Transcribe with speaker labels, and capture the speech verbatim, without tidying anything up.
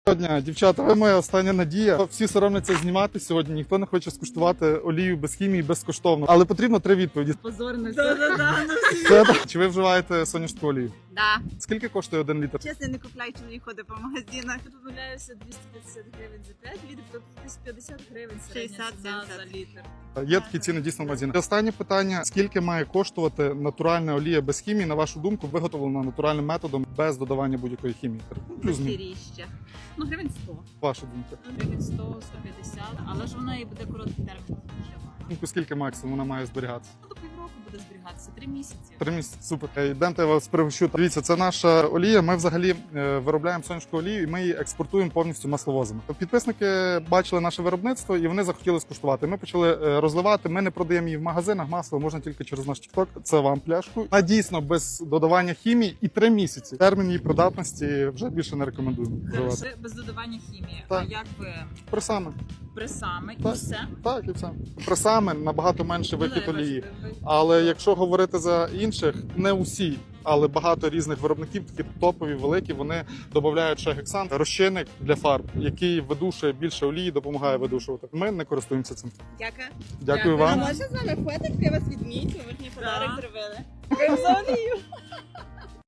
Speaker 1: Дня, дівчата, ви моя остання надія. Всі соромляться знімати сьогодні, ніхто не хоче скуштувати олію без хімії безкоштовно. Але потрібно три відповіді.
Speaker 2: Позорно, все.
Speaker 1: Це, чи ви вживаєте соняшку олію?
Speaker 3: Да.
Speaker 1: Скільки коштує один літр?
Speaker 3: Чесно, не купляю, чоловік ходить по магазинах.
Speaker 2: Я помиляюся, двісті п'ятдесят гривень за п'ять літрів, тобто десь п'ятдесят гривень середня
Speaker 3: шістдесят
Speaker 2: ціна
Speaker 3: сімдесят.
Speaker 2: за літр.
Speaker 1: Є такі ціни дійсно в магазинах. Останнє питання: скільки має коштувати натуральна олія без хімії, на вашу думку, виготовлена натуральним методом без додавання будь-якої хімії? Плюс мінус.
Speaker 2: Піріще. Ну, гривень сто.
Speaker 1: Ваша думка.
Speaker 2: Ну, гривень сто, сто п'ятдесят, але ж вона і буде короткий термін вживання.
Speaker 1: Думку, скільки максимум вона має зберігатися?
Speaker 2: Ну, до півроку буде зберігатися, три місяці.
Speaker 1: Три місяці. Супер. Е, Йдемте, я вас пригощу. Дивіться, це наша олія. Ми взагалі е, виробляємо соняшку олію і ми її експортуємо повністю масловозами. Підписники бачили наше виробництво і вони захотіли скуштувати. Ми почали е, розливати. Ми не продаємо її в магазинах. Масло можна тільки через наш TikTok. Це вам пляшку. Вона дійсно без додавання хімії і три місяці. Термін її придатності вже більше не рекомендуємо вживати.
Speaker 2: Це без додавання хімії.
Speaker 1: Так.
Speaker 2: А як ви
Speaker 1: Пресами.
Speaker 2: пресами і
Speaker 1: Так.
Speaker 2: все?
Speaker 1: Так, і все. Пресами набагато менше вихід
Speaker 2: Ну, да, я
Speaker 1: олії.
Speaker 2: бачу, ви-
Speaker 1: Але якщо говорити за інших, не усі, але багато різних виробників, такі топові, великі, вони додають ще гексан, розчинник для фарб, який видушує більше олії, допомагає видушувати. Ми не користуємося цим.
Speaker 3: Дякую.
Speaker 1: Дякую
Speaker 2: Дякую.
Speaker 3: А
Speaker 1: вам.
Speaker 3: можна з вами фотик? Я вас відмітю, ви ж мені подарок
Speaker 2: Да.
Speaker 3: зробили. Дякую за олію.